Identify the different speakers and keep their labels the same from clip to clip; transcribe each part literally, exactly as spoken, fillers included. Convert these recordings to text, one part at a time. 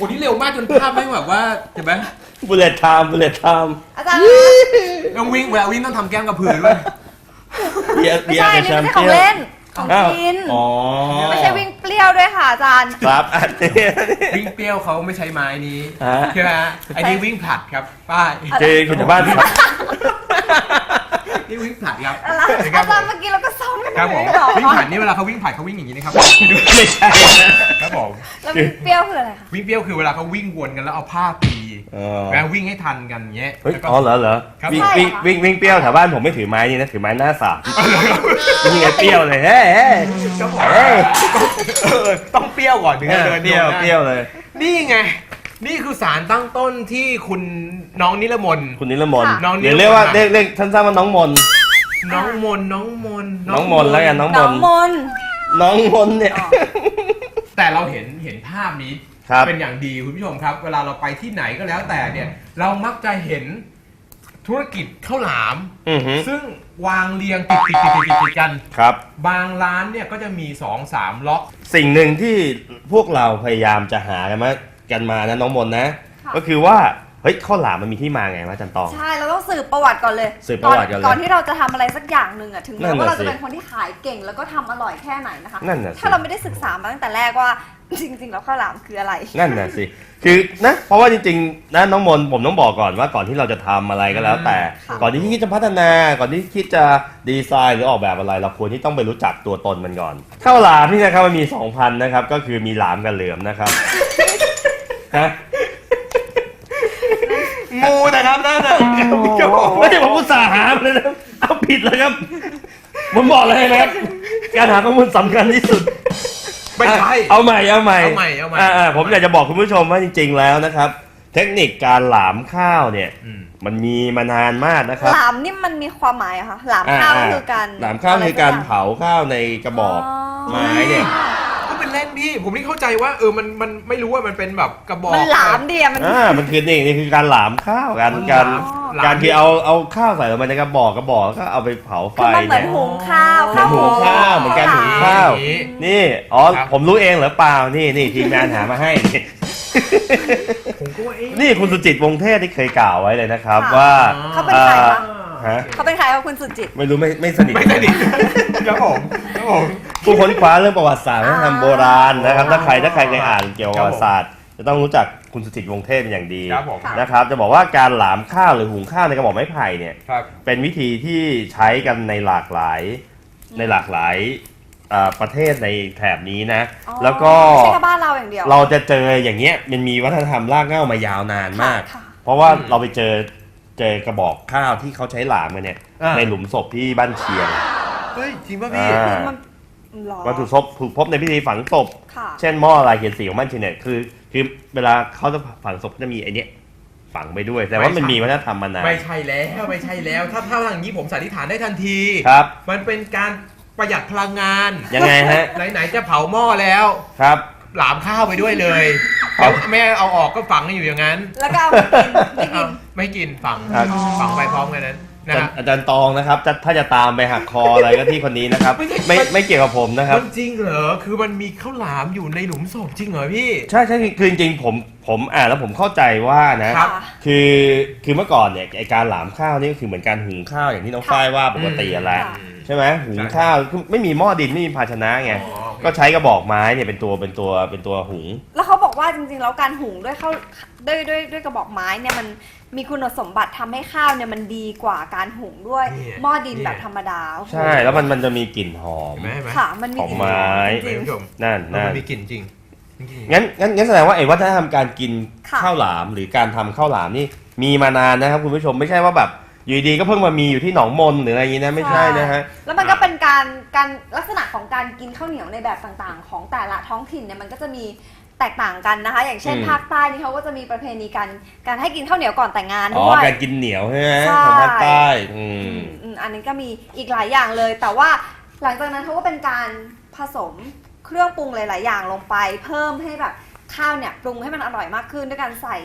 Speaker 1: อ้นี่เร็วมากจนภาพไม่แบบว่าเห็นไหม
Speaker 2: บุลเลตไทม์บุลเลตไทม์
Speaker 3: อาจารย์
Speaker 1: ต้องวิ่งเวลาวิ่งต้องทำแก้มกระพือด้วย
Speaker 3: ไม่ใช่นี่ไม่ใช่ของเล่นของกินไม่ใช่วิ่งเปรี้ยวด้วยค่ะอาจารย์
Speaker 2: ครับอันนี้
Speaker 1: วิ่งเปรี้ยวเขาไม่ใช้ไม้นี้ใช่ไหมไอ้นี่วิ่งผลัดครับป้า
Speaker 2: เจคุณจะบ้าน
Speaker 1: นี่วิ่งผลัดครับ
Speaker 3: อาจารย์เมื่อกี้เราก็ซ้อมกัน
Speaker 1: ครับผมวิ่งผลัดนี่เวลาเขาวิ่งผลัดเขาวิ่งอย่างนี้นะครับ
Speaker 2: ไม่ใช่
Speaker 1: ครับผม
Speaker 3: แล้ววิ่งเปรี้ยวคืออะไรคะ
Speaker 1: วิ่งเปรี้ยวคือเวลาเขาวิ่งวนกันแล้วเอาผ้าตีแล้ววิ่งให้ทันกันเงี้ย
Speaker 2: อ๋อเหรอเหรอวิ่งวิ่งวิ่งวิ่งเปรี้ยวแถวบ้านผมไม่ถือไม้นี่นะถือไม้หน้าสามวิ่งไงเปรี้ยวเลยเฮ้ยเฮ้ย
Speaker 1: ต้องเปรี้ยวก่อนถึงจะเดิน
Speaker 2: เปรี้ยวเปรี้ยวเลย
Speaker 1: นี่ไงนี่คือสารตั้งต้นที่คุณน้องนิรมน
Speaker 2: คุณนิรมนเดี๋ยวเรียกว่าเรียกเรียกท่านทราบว่าน้องมน
Speaker 1: น้องมนน้องมน
Speaker 2: น้องมนแล้วกันน้องมนน้องมนเนี่ย
Speaker 1: แต่เราเห็นเห็นภาพนี้เป็นอย่างดีคุณผู้ชมครับเวลาเราไปที่ไหนก็แล้วแต่เนี่ยเรามักจะเห็นธุรกิจข้าวหลามซึ่งวางเรียงติดติดติดติดติดกัน
Speaker 2: ครับ
Speaker 1: บางร้านเนี่ยก็จะมีสองสามล็อก
Speaker 2: สิ่งหนึ่งที่พวกเราพยายามจะหากันมากันมานะน้องมนนะก็คือว่าเฮ้ยข้าวหลามมันมีที่มาไงวะจันตอง
Speaker 3: ใช่เราต้องสืบประวัติก่อนเลย
Speaker 2: สืบประวัติก่อนเลย
Speaker 3: ก่อนที่เราจะทำอะไรสักอย่างหนึ่งอ่ะถึงแม้ว่าเราจะเป็นคนที่ขายเก่งแล้วก็ทำอร่อยแค่ไหนนะคะถ้าเราไม่ได้ศึกษามาตั้งแต่แรกว่าจริงๆแล้วข้าวหลามคืออะไร
Speaker 2: นั่นน่ะสิคือนะเพราะว่าจริงๆนะน้องมนผมต้องบอกก่อนว่าก่อนที่เราจะทำอะไรก็แล้วแต่ก่อนที่คิดจะพัฒนาก่อนที่คิดจะดีไซน์หรือออกแบบอะไรเราควรที่ต้องไปรู้จักตัวตนมันก่อนข้าวหลามนี่นะครับมันมีสองพันนะครับก็คือมีหลามกับเหลือมนะครับฮะ
Speaker 1: งูนะครับนั่นน่ะ
Speaker 2: ไม่ใช่ผมอุตส่าห์หาเลยนะเอาผิดเลยครับผมบอกเลยนะครับการหาข้อมูลสำคัญที่สุด
Speaker 1: ไม่ใช่
Speaker 2: เอาใหม่เอาใหม่
Speaker 1: เอาใหม่เอาใหม่
Speaker 2: อ่าผมอยากจะบอกคุณผู้ชมว่าจริงๆแล้วนะครับเทคนิคการหลามข้าวเนี่ยมันมีมานานมากนะครับ
Speaker 3: หลามนี่มันมีความหมายอะคะหลามข้าวคือการ
Speaker 2: หลามข้าวคือการเผาข้าวในกระบอกไม้เนี่ย
Speaker 1: ก็เป็นเล่นพี่ผมนี่เข้าใจว่าเออมันมันไม่รู้ว่ามันเป็นแบบกระบอก
Speaker 3: มันหลามเดียมัน
Speaker 2: อ่ามันคือนี่นี่คือการหลามข้าวการการการที่เอาเอาข้าวใส่ลงไปในกระบอกกระบอกแล้วก็เอาไปเผาไฟ
Speaker 3: เนี่ยเหมือนหุงข้าว
Speaker 2: เหมือนหุงข้าวเหมือนการหุงข้าวนี่อ๋อผมรู้เองเหรอเปล่านี่นี่ทีมงานหามาให้นี่คุณสุจิตวงเทศที่เคยกล่าวไว้เลยนะครับว่า
Speaker 3: เขาเป็นใครฮะเขาเป็นใครครับคุณสุจิต
Speaker 2: ไม่รู้ไม่ไม่สนิท
Speaker 1: ไม่สนิทครับผมครับผม
Speaker 2: ผู้ค้นคว้าเรื่องประวัติศาสตร์วัฒนธรรมโบราณนะครับถ้าใครถ้าใครเคยอ่านเกี่ยวกับประวัติศาสตร์จะต้องรู้จักคุณสุจิตวงเทพเป็นอย่างดีนะครับจะบอกว่าการหลามข้าวหรือหุงข้าวในกระบอกไม้ไผ่เนี่ยเป็นวิธีที่ใช้กันในหลากหลายในหลากหลายประเทศในแถบนี้นะแล้วก็
Speaker 3: ไม่ใช่แค่บ้านเราอย่างเดียว
Speaker 2: เราจะเจออย่างเงี้ยมันมีวัฒนธรรมรากเหง้ามายาวนานมากเพราะว่าเราไปเจอเจอกระบอกข้าวที่เขาใช้หลามกันเนี่ยในหลุมศพที่บ้านเชียง
Speaker 1: เฮ้ยจริงป่ะพี่
Speaker 2: วัตถุศพถูกพบในพิธีฝังศพเช่นหม้อลายเขียนสีของบ้านเชียงเนี่ยคือคือเวลาเขาจะฝังศพจะมีไอเนี้ยฝังไปด้วยแต่ว่ามันมีวัฒนธรรมมานาน
Speaker 1: ไม่ใช่แล้วไม่ใช่แล้วถ้าถ้าอย่างนี้ผมสันนิษฐานได้ทันที
Speaker 2: ครับ
Speaker 1: มันเป็นการประหยัดพลังงาน
Speaker 2: ยังไงฮะ
Speaker 1: ไหนๆจะเผาหม้อแล้ว
Speaker 2: ครับ
Speaker 1: หลามข้าวไปด้วยเลยแม่เอาออกก็ฝังอยู่อย่างนั้น
Speaker 3: แล้วก็เอาไม่กิน
Speaker 1: ไม่กินฝังฝังไปพร้อมกันนั้น
Speaker 2: นะอาจารย์ตองนะครับถ้าจะตามไปหักคออะไรก็ที่คนนี้นะครับไม่ไม่เกี่ยวกับผมนะครับ
Speaker 1: จริงเหรอคือมันมีข้าวหลามอยู่ในหลุมศพจริงเหรอพี่
Speaker 2: ใช่ใช่คือจริงๆผมผมอ่านแล้วผมเข้าใจว่านะคือคือเมื่อก่อนเนี่ยไอการหลามข้าวนี่ก็คือเหมือนการหุงข้าวอย่างที่น้องฝ้ายว่าปกติอะไรใช่ไหมหุงข้าวคือไม่มีหม้อดินไม่มีภาชนะไงก็ใช้กระบอกไม้เนี่ยเป็นตัวเป็นตัวเป็นตัวหุง
Speaker 3: แล้วเขาบอกว่าจริงๆแล้วการหุงด้วยข้าวด้วยด้วยด้วยกระบอกไม้เนี่ยมันมีคุณสมบัติทำให้ข้าวเนี่ยมันดีกว่าการหุงด้วยหม้อดินแบบธรรมดา
Speaker 2: ใช่แล้วมันมันจะมีกลิ่นหอม
Speaker 3: ค่ะมันมี
Speaker 2: กลิ่นไม้นั่นนั่น
Speaker 1: มีกลิ่นจริง
Speaker 2: งั้นงั้นงั้นแสดงว่าไอ้วัฒนธรรมการกินข้าวหลามหรือการทำข้าวหลามนี่มีมานานนะครับคุณผู้ชมไม่ใช่ว่าแบบอยู่ดีก็เพิ่งมามีอยู่ที่หนองมนหรืออะไรอย่างนี้นะไม่ใช่นะฮะ
Speaker 3: แล้วมันก็เป็นการการลักษณะของการกินข้าวเหนียวในแบบต่างๆของแต่ละท้องถิ่นเนี่ยมันก็จะมีแตกต่างกันนะคะอย่างเช่นภาคใต้นี่เขาก็จะมีประเพณีการการให้กินข้าวเหนียวก่อนแต่งงานด้วย
Speaker 2: อ๋อการกินเหนียวใช่ไหมของภาคใต้อืม
Speaker 3: อันนี้ก็มีอีกหลายอย่างเลยแต่ว่าหลังจากนั้นเขาก็เป็นการผสมเครื่องปรุงหลายๆอย่างลงไปเพิ่มให้แบบข้าวเนี่ยปรุงให้มันอร่อยมากขึ้นด้วยการใส่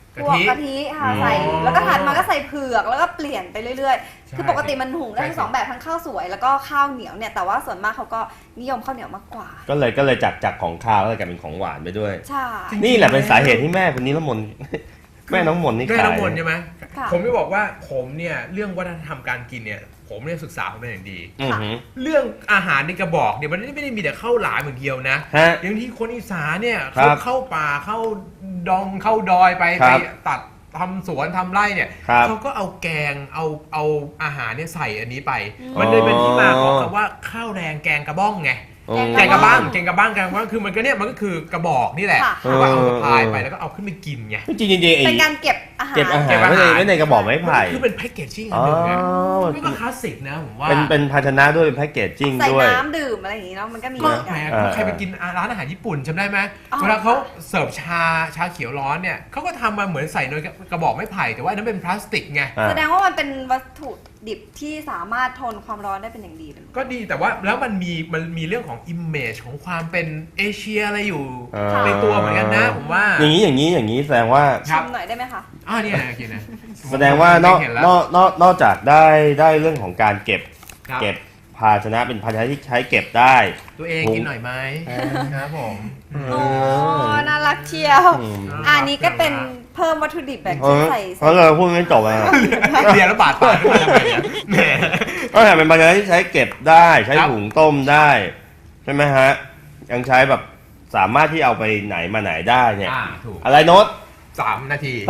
Speaker 3: พวกกะทิค่ะใส่แล้วก็ถัดมาก็ใส่เผือกแล้วก็เปลี่ยนไปเรื่อยๆคือปกติมันหุงได้ทั้งสองแบบทั้งข้าวสวยแล้วก็ข้าวเหนียวเนี่ยแต่ว่าส่วนมากเขาก็นิยมข้าวเหนียวมากกว่า
Speaker 2: ก็เลยก็เลยจากจากของข้าวก็เลยกลายเป็นของหวานไปด้วย
Speaker 3: ใช่
Speaker 2: นี่แหละเป็นสาเหตุที่แม่คนนี้ละมนแม่น้องมนนี่ขาย
Speaker 1: แม่น้องมนใช่ไหมผมไม่บอกว่าผมเนี่ยเรื่องวัฒนธรรมการกินเนี่ยผมเนี่ยศึกษามาเป็นอย่างดีเรื่องอาหารในกระบอกเนี่ยมันไม่ได้มีแต่ข้าวหลามอย่างเดียวนะอย่างที่คนอีสานเนี่ยเขาเข้าป่าเข้าดองเข้าดอยไปไปตัดทำสวนทำไร่เนี่ยเขาก็เอาแกงเอาเอาอาหารเนี่ยใส่อันนี้ไปมันเลยเป็นที่มาของคำว่าข้าวแดงแกงกระบ้องไงแกงกระบ้างแกงกระบ้างแกงกระบ้างคือมันก็เนี่ยมันก็คือกระบอกนี่แหละว่าเอาสะพายไปแล้วก็เอาขึ้นไปกินไง
Speaker 2: จริงจริง
Speaker 3: เป็นการเก็บอาหาร
Speaker 2: เก็บอาหารไม่ในไม่ในกระบอกไม้ไผ่
Speaker 1: คือเป็นแพ็กเกจจิ้งอันหนึ่งไงมันก็คลาสสิกนะผมว่า
Speaker 2: เป็นเป็นภาชนะด้วยเป็นแพ็กเกจจิ้งด้วย
Speaker 3: ใส่น้ำดื่มอะไรอย่างงี้เนาะมันก็มี
Speaker 1: แหมใครไปกินร้านอาหารญี่ปุ่นจำได้ไหมเวลาเขาเสิร์ฟชาชาเขียวร้อนเนี่ยเขาก็ทำมาเหมือนใส่ในกระบอกไม้ไผ่แต่ว่านั้นเป็นพลาสติกไง
Speaker 3: แสดงว่ามันเป็นวัตถุดิบที่สามารถทนความร้อนได้เป็นอย่างดี
Speaker 1: ก็ดีแต่ว่าแล้วมันมีมันมีเรื่องของอิมเมจของความเป็นเอเชียอะไรอยู่ในตัวเหมือนกันนะผมว่า
Speaker 2: อย่างนี้อย่างนี้อย่างนี้แสดงว่า
Speaker 3: ชมหน่อยได้ไหมคะ
Speaker 1: อ่านี่นะกินนะ
Speaker 2: แสดงว่านอกนอกนอกนอกจากได้ได้เรื่องของการเก็บเก็บภาชนะเป็นภาชนะที่ใช้เก็บได้
Speaker 1: ตัวเองกินหน่อยไหมครับผม
Speaker 3: โอ้น่ารักเชียวอันนี้ก็เป็นเพิ่มวัตถุดิบแบบที่ใส่
Speaker 2: เพราะเราพูดไม่จบอ่ะ
Speaker 1: เรียนแล้วบาดปากขึ้นมาทำไมเนี่ย
Speaker 2: ก็แต่เป็นภาชนะที่ใช้เก็บได้ใช้หุงต้มได้ใช่ไหมฮะยังใช้แบบสามารถที่เอาไปไหนมาไหนได้เนี่ยอะไรโน้ต
Speaker 1: สามนาที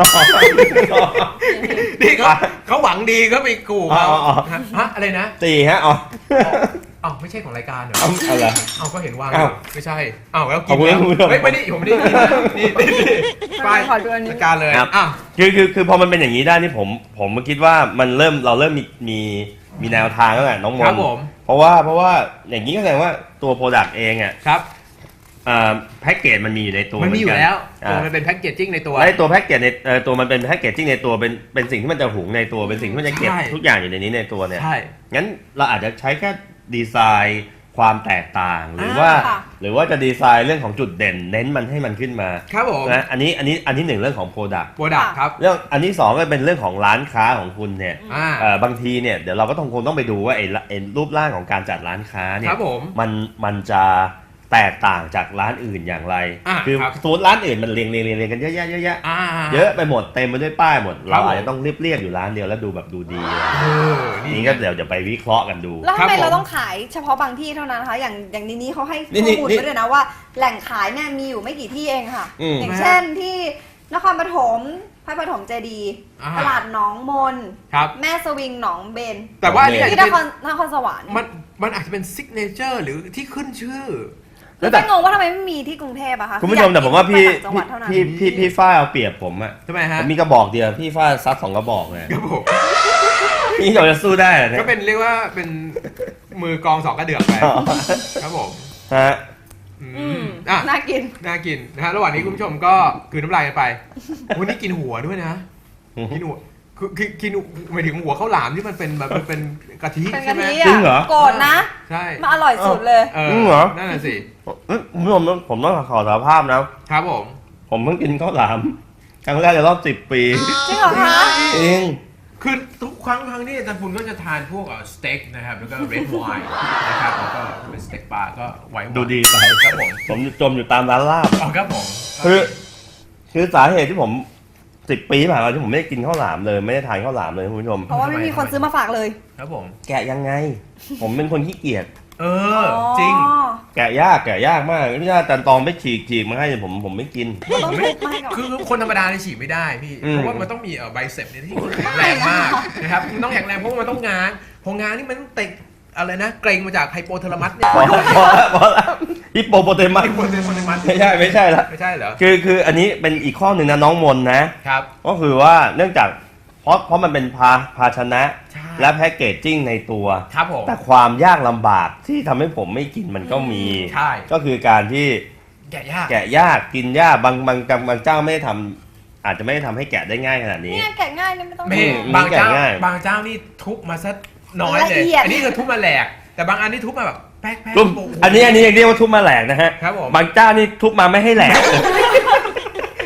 Speaker 1: นี่เขาเขาหวังดีเขาไปกูเขาฮะอะไรนะ
Speaker 2: สี่ฮะอ๋อ
Speaker 1: อ้าวไม่ใช่ของรายการเหรอ
Speaker 2: อะไร
Speaker 1: อ้าวก็เห็นว่าไม่ใช่อ้าวแล้วกินไม่ไม่ได้ผมไม่ได้กินนี่ไปรายการเลย
Speaker 2: อ่ะคือคือคือพอมันเป็นอย่างนี้ได้นี่ผมผมมาคิดว่ามันเริ่มเราเริ่มมีมีมีแนวทางแล้วแหละน้องมนเพราะว่าเพราะว่าอย่างนี้ก็แสดงว่าตัวโปรดักต์เองอ่ะ
Speaker 1: ครับ
Speaker 2: แพ็กเกจมันมีอยู่ในตัว
Speaker 1: มันมีอยู่แล้วตัวมันเป็นแพ็กเกจจิ้งในตัว
Speaker 2: ในตัวแพ็กเกจในตัวมันเป็นแพ็กเกจจิ้งในตัวเป็นเป็นสิ่งที่มันจะหุงในตัวเป็นสิ่งที่มันจะเก็บทุกอย่างอยู่ในนี้ในตัวเนี่ย
Speaker 1: ใช่
Speaker 2: งั้นเราอาจจะใช้แค่ดีไซน์ความแตกต่างหรือว่าหรือว่าจะดีไซน์เรื่องของจุดเด่นเน้นมันให้มันขึ้นมา
Speaker 1: ครับผม
Speaker 2: นะอันนี้อันนี้อันที่หนึ่งเรื่องของโปรดักต์
Speaker 1: โปรดักต์ครับ
Speaker 2: เรื่องอันที่สองก็เป็นเรื่องของร้านค้าของคุณเนี่ยบางทีเนี่ยเดี๋ยวเราก็ต้องคงต้องไปดูว่าไอ้รูปร่างของการจัดร้านค้าเนี่ยมันมันจะแตกต่างจากร้านอื่นอย่างไรคือสูตรร้านอื่นมันเรียงเรียงเรียงกันเยอะแยะเยอะแยะเยอะไปหมดเต็มไปด้วยป้ายหมดเราอาจจะต้องเรียบเรียบอยู่ร้านเดียวแล้วดูแบบดูดีนี่ก็เดี๋ยวจะไปวิเคราะห์กันดู
Speaker 3: แล้วทำไมเราต้องขายเฉพาะบางที่เท่านั้นคะอย่างอย่างนี้นี้เขาให้ข้อมูลไว้ด้วยนะว่าแหล่งขายเนี่ยมีอยู่ไม่กี่ที่เองค่ะอย่างเช่นที่นครปฐมพระปฐมเจดีย์ตลาดหนองมนแม่สวิงหนองเบน
Speaker 1: แต่ว่า
Speaker 3: ที่นครนครสวรรค์
Speaker 1: มันมันอาจจะเป็นซิกเนเจอร์หรือที่ขึ้นชื่อ
Speaker 3: แล้วแต่งงว่าทำไมไม่มีที่กรุงเทพอะคะ
Speaker 2: คุณผู้ชมแต่ผมว่าพี่พี่พี่พี่ฝ้ายเอาเปรียบผมอะ
Speaker 1: ทำไมฮะ
Speaker 2: ผมมีกระบอกเดียวพี่ฝ้ายซัดสองกระบอกเลย
Speaker 1: ครับผม
Speaker 2: นี่เราจะสู้ได้เหรอ
Speaker 1: ก็เป็นเรียกว่าเป็นมือกองสองกระเดือกไปครับผม
Speaker 2: ฮะ
Speaker 1: อ่ะ
Speaker 3: น่ากิน
Speaker 1: น่ากินนะฮะระหว่างนี้คุณผู้ชมก็คืนน้ำลายกันไปวันนี้กินหัวด้วยนะกินหัวคือคือกินหมายถึงหัวข้าวหลามที่มันเป็นแบบมันเป็นกะทิใช่ไหม
Speaker 2: จริงเหรอ
Speaker 3: โกรธนะ
Speaker 1: ใช่
Speaker 3: มันอร่อยสุดเลย
Speaker 2: จริงเหรอ
Speaker 1: นั่นแหละสิ
Speaker 2: ผมผมผมต้องขอสารภาพนะครับ
Speaker 1: ผม
Speaker 2: ผมเพิ่งกินข้าวหลามครั้งแรกในรอบสิบปี
Speaker 3: จริงเหรอคะ
Speaker 2: จริง
Speaker 1: คือทุกครั้งครั้งที่อาจารย์ปุณก็จะทานพวกสเต็กนะครับแล้วก็เรดไวน์นะครับแล้วก็เป็นสเต็กปลาก็ไว้
Speaker 2: ดูดีไป
Speaker 1: ครับผม
Speaker 2: ผมจมอยู่ตามร้านลาบ
Speaker 1: อ๋อครับผม
Speaker 2: คือคือสาเหตุที่ผมสิบปีผ่านมาที่ผมไม่ได้กินข้าวหลามเลยไม่ได้ทานข้าวหลามเลยคุณผู้ชม
Speaker 3: เพราะว่าไม่มีคนซื้อมาฝากเลย
Speaker 1: ครับผม
Speaker 2: แกะยังไงผมเป็นคนขี้เกียจ
Speaker 1: เออจริง
Speaker 2: แกะยากแกะยากมากนี่ถ้าอาจารย์ตองไม่ฉีกฉีกมาให้ผมผมไม่กิน
Speaker 1: คือคนธรรมดาเนี่ยฉีกไม่ได้พี่เพราะว่ามันต้องมีเอ่อไบเซปเนี่ยที่แข็งแรงมากนะครับมันต้องแข็งแรงเพราะมันต้องง้างพองางนี่มันต้องเตะอะไรนะเกรงมาจากไฮโปเทอร์มัสเนี่ย
Speaker 2: พอแล้วพอแล้วพอแล้วฮิปโปโปเตมัส
Speaker 1: ฮิปโปเตมัส
Speaker 2: ไม่ใช่ไม่ใช่ละ
Speaker 1: ไม่ใช่เหรอ
Speaker 2: คือคืออันนี้เป็นอีกข้อหนึ่งนะน้องมนนะครับก็คือว่าเนื่องจากเพราะเพราะมันเป็นภาภาชนะและแพ็กเกจจิ้งในตัว
Speaker 1: ครับผม
Speaker 2: แต่ความยากลำบากที่ทำให้ผมไม่กินมันก็มี
Speaker 1: ใช่
Speaker 2: ก็คือการที่
Speaker 1: แกะยาก
Speaker 2: แกะยากกินยากบางบางบางเจ้าไม่ได้ทำอาจจะไม่ได้ทำให้แกะได้ง่ายขนาดนี้
Speaker 3: เนี่ยแกะง่ายเนี่ยไม่ต้อง
Speaker 1: บางเจ้าบางเจ้านี่ทุบมาซะน้อยเลยอันนี้คือทุบมาแหลกแต่บางอันนี่ทุบมาแบบแป๊กแป๊ก
Speaker 2: อันนี้อันนี้เรียกว่าทุบมาแหลกนะฮะ
Speaker 1: ครับผม
Speaker 2: บางเจ้านี่ทุบมาไม่ให้แหลก
Speaker 1: คือทุบมา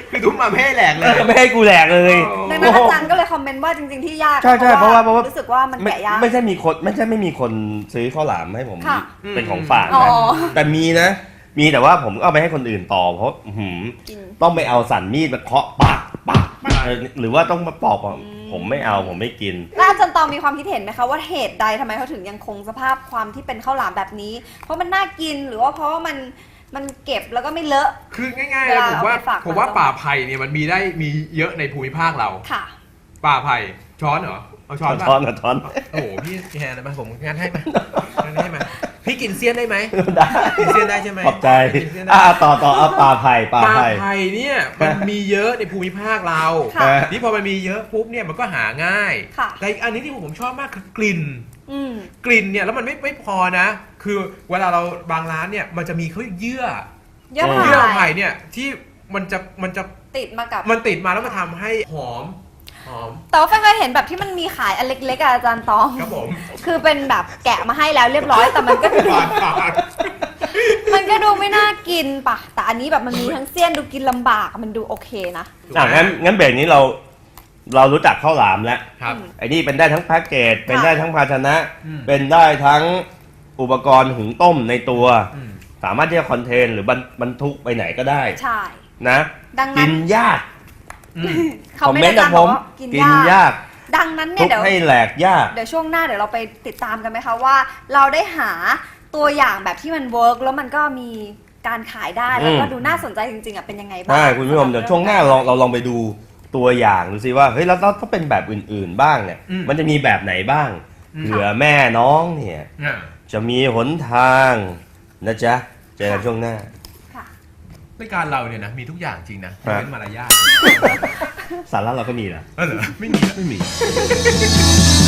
Speaker 1: มาไม่ให้แหลกเลย
Speaker 2: ไม่ให้กูแหลกเลย
Speaker 3: ดังนั้นอาจารย์ก็เลยคอมเมนต์ว่าจริงๆที่ยาก
Speaker 2: ใช่ใช่เพราะว่าเพราะว่า
Speaker 3: รู้สึกว่ามัน
Speaker 2: ไม่
Speaker 3: แกะยาก
Speaker 2: ไม่ใช่มีคนไม่ใช่ไม่มีคนซื้อข้าวหลามให้ผม
Speaker 3: ค่ะ
Speaker 2: เป็นของฝาก
Speaker 3: อ๋อ
Speaker 2: นะแต่มีนะ มีแต่ว่าผมก็เอาไปให้คนอื่นต่อเพราะอื้อหือ
Speaker 3: กิน
Speaker 2: ต้องไปเอาสันมีดมาเคาะปักปักปักหรือว่าต้องมาปอกอ่ะผมไม่เอาผมไม่กิน
Speaker 3: แล้วอาจารย์ตองมีความคิดเห็นไหมคะว่าเหตุใดทำไมเขาถึงยังคงสภาพความที่เป็นข้าวหลามแบบนี้ เพราะมันน่ากินหรือว่าเพราะว่ามันมันเก็บแล้วก็ไม่เลอะ
Speaker 1: คือง่ายๆเลยผมว่า
Speaker 3: เวลาเอาไปฝาก
Speaker 1: ผมว่าป่าไผ่เนี่ยมันมีได้มีเยอะในภูมิภาคเรา
Speaker 3: ค่ะ
Speaker 1: ป่าไผ่ช้อนเหรอเอาช้อนป่ะ
Speaker 2: ช้อนนะช้อน
Speaker 1: โอ้โหพี่แฮนนะมาผมงานให้ไหมงานให้ไหมพี่กินเซียนได้ไหม
Speaker 2: ได้
Speaker 1: กินเซียนได้ใช่ไหม
Speaker 2: ขอบใจ
Speaker 1: กินเซียนได้
Speaker 2: อ่ะต่อต่อเอาปลาไผ่ปลา
Speaker 1: ป่า
Speaker 2: ไผ่
Speaker 1: ไผ่เนี่ยมันมีเยอะในภูมิภาคเรา
Speaker 3: ค่ะ
Speaker 1: นี่พอมันมีเยอะปุ๊บเนี่ยมันก็หาง่าย
Speaker 3: ค่ะ
Speaker 1: แต่อีกอันนี้ที่ผมชอบมากคือกลิ่น
Speaker 3: อืม
Speaker 1: กลิ่นเนี่ยแล้วมันไม่ไม่พอนะ คือเวลาเราบางร้านเนี่ยมันจะมีเขาเรียกเยื่อ
Speaker 3: เยอะ
Speaker 1: เยื่อ
Speaker 3: ไป
Speaker 1: ไผ่เนี่ยที่มันจะมันจะ
Speaker 3: ติดมากับ
Speaker 1: มันติดมาแล้วมันทำให้หอมหอม
Speaker 3: แต่ว่าแฟนเคยเห็นแบบที่มันมีขายอันเล็กๆอะอาจารย์ตอง
Speaker 1: ครับผม
Speaker 3: คือเป็นแบบแกะมาให้แล้วเรียบร้อย แต่มันก็ดู
Speaker 1: ปาดปาด
Speaker 3: มันก็ดูไม่น่ากินปะแต่อันนี้แบบมันมีทั้งเสี้ยนดูกินลำบากมันดูโอเคนะ
Speaker 2: อ่ะงั้นงั้นเบรกนี้เราเรารู้จักข้าวหลามแล้ว
Speaker 1: ครับ
Speaker 2: ไอ้นี่เป็นได้ทั้งแพ็กเกจเป็นได้ทั้งภาชนะ
Speaker 1: อืม
Speaker 2: เป็นได้ทั้งอุปกรณ์หุงต้มในตัว
Speaker 1: อืม
Speaker 2: สามารถที่จะคอนเทนหรือบรรบรรทุกไปไหนก็ได้
Speaker 3: ใช่
Speaker 2: นะ
Speaker 3: ดัง
Speaker 2: กิ
Speaker 3: นั้น
Speaker 2: นยาก
Speaker 1: อืม
Speaker 3: เขาไม่
Speaker 2: คอมเมนต์
Speaker 3: ได้
Speaker 2: จาก
Speaker 3: บ
Speaker 2: ผ
Speaker 3: อก
Speaker 2: ม
Speaker 3: ว่ากิน
Speaker 2: กิน
Speaker 3: ยาก
Speaker 2: ยาก
Speaker 3: ดังนั้นเนี่
Speaker 2: ทุ
Speaker 3: ย
Speaker 2: ก
Speaker 3: เดี๋ยว
Speaker 2: ให้แหลกยาก
Speaker 3: เดี๋ยวช่วงหน้าเดี๋ยวเราไปติดตามกันไหมคะว่าเราได้หาตัวอย่างแบบที่มันเวิร์กแล้วมันก็มีการขายได้แล้วก็
Speaker 2: อืม
Speaker 3: ดูน่าสนใจจริงๆอ่ะเป็นยังไงบ้าง
Speaker 2: ใช่คุณผู้ชมเดี๋ยวช่วงหน้าลองเราลองไปดูตัวอย่างดูซิว่าเฮ้ยแล้วแล้วถ้าเป็นแบบอื่นๆบ้างเนี่ย
Speaker 1: อืม
Speaker 2: มันจะมีแบบไหนบ้าง
Speaker 1: อืม
Speaker 2: เผื่อแม่น้องเนี่ย
Speaker 1: อ่ะ
Speaker 2: จะมีหนทางนะจ๊ะเจอกันช่วงหน้า
Speaker 3: ค่ะ
Speaker 1: รายการเราเนี่ยนะมีทุกอย่างจริงนะ
Speaker 2: ฮะ
Speaker 1: เป็นมารยาท
Speaker 2: สาระเราก็มีนะ
Speaker 1: เออเหรอไม่มี
Speaker 2: ไม่มี